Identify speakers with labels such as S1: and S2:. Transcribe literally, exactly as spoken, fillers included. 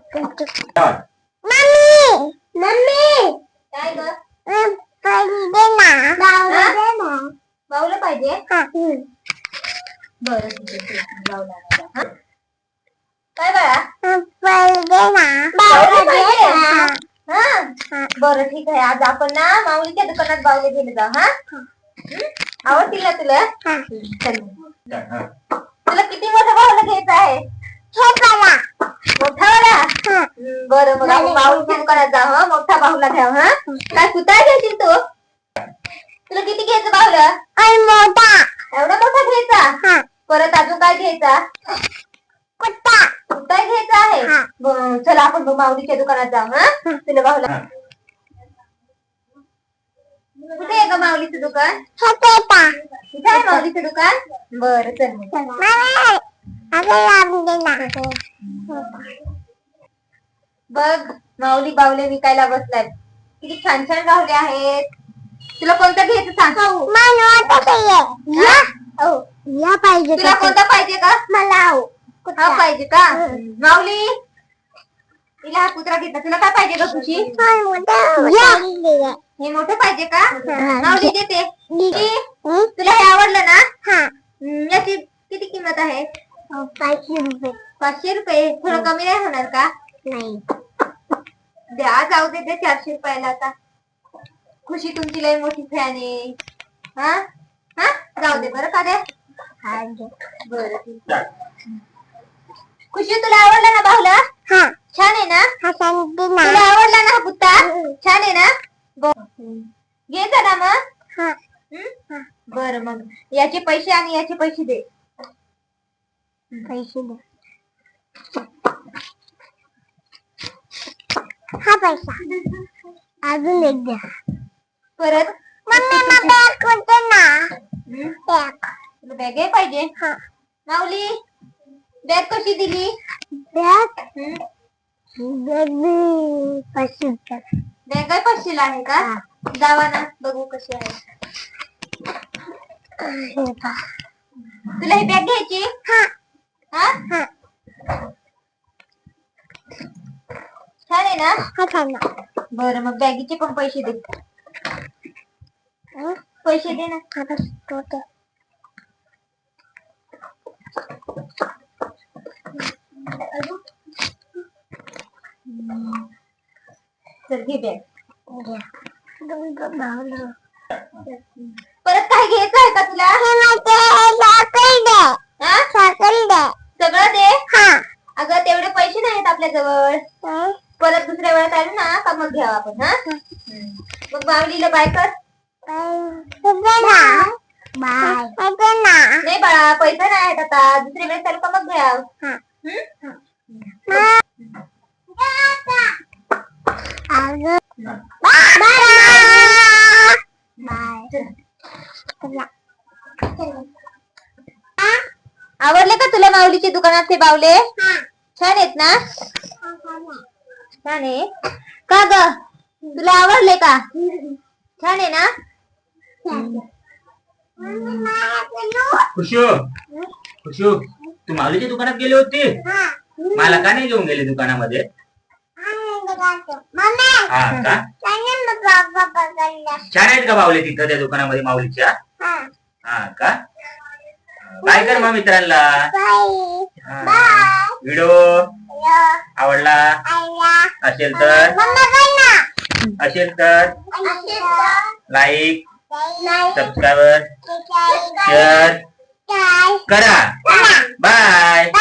S1: Mummy mummy
S2: काय ग?
S1: पाहिजे ना बावला
S2: बावलं पाहिजे. बरं काय बाळा
S1: पाहिजे ना
S2: बावलं पाहिजे. हा बरं ठीक आहे. आज आपण ना माऊलीच्या दुकानात बावले घेऊन जाऊ. हा आवडतील ना तुला? तुला किती मोठा बावला घ्यायचा आहे? मोठा वाला. बरं मग आपण बाहुलीच्या दुकानात जाऊ. हा मोठा बाहुला घ्याव. हा काय कुठे घ्यायची तू? तुला किती घ्यायचं बाहुलं?
S1: मोठा
S2: एवढा मोठा घ्यायचा. परत अजून काय घ्यायचा?
S1: कुत्ता
S2: कुठा घ्यायचा आहे. चला आपण माऊलीच्या दुकानात जाऊ. हा तुला बाहुला कुठे आहे का माऊलीचं दुकान? कुठे आहे माऊलीचं दुकान? बरं चल बघ माऊली बावले विकायला बसलाय. किती छान छान बावले आहेत. तुला कोणतं घ्यायचं सांग.
S1: या पाहिजे
S2: तुला कोणता पाहिजे का?
S1: मला
S2: हा पाहिजे का? माऊली तिला हा कुत्रा घेतला. तुला काय पाहिजे का? खुशी हे मोठं पाहिजे का? माऊली देते. तुला हे आवडलं ना? याची किती किंमत आहे?
S1: पाचशे रुपये
S2: पाचशे रुपये. थोडं कमी नाही होणार का?
S1: नाही
S2: द्या जाऊ दे ते चारशे रुपयाला. आता खुशी तुमची लई मोठी फॅन आहे. हा हा जाऊ दे बरं का द्या. बरं ठीक आहे. खुशी तुला आवडला ना बाहुला? छान आहे ना? तुला आवडला ना हा कुत्ता? छान आहे ना? घ्यायचा ना मग? बरं मग याचे पैसे आणि याचे पैसे दे.
S1: पैसे दे. हा पैसा अजून एक द्या.
S2: परत
S1: मम्मी बॅग कोणते ना?
S2: बॅग बॅग पाहिजे. माऊली बॅग कशी दिली?
S1: बॅग बॅग पाचशे रुपये.
S2: बॅग आहे पाचशेला आहे का? जावा ना बघू कशी आहे. तुला ही बॅग घ्यायची? हा छान आहे ना?
S1: हा छान.
S2: बरं मग बॅगीचे पण पैसे दे. पैसे दे ना. चल घे बॅग. परत काय घ्यायचं आहे का तुला? सगळं दे. अगं तेवढे पैसे नाहीत आपल्या जवळ. परत दुसऱ्या वेळेत आलो ना का मग घ्यावं आपण. हा मग माऊलीला बाय कर. नाही बाळा पैसा नाही आहेत आता. दुसऱ्या वेळेस आलो का मग घ्याव. आवडले का तुला माऊलीच्या दुकानात हे बावले? छान आहेत ना? छान आहे का ग? तुला आवडले का? छान आहे ना?
S3: खुशू खुशू तू माऊलीच्या दुकानात गेली होती? मला का नाही घेऊन गेली दुकानामध्ये? हा का? छान आहेत का बावले तिथं त्या दुकानामध्ये माऊलीच्या? हा का? काय कर मग मित्रांना. व्हिडिओ आवडला असेल तर असेल तर लाईक सबस्क्राईब शेअर करा. बाय.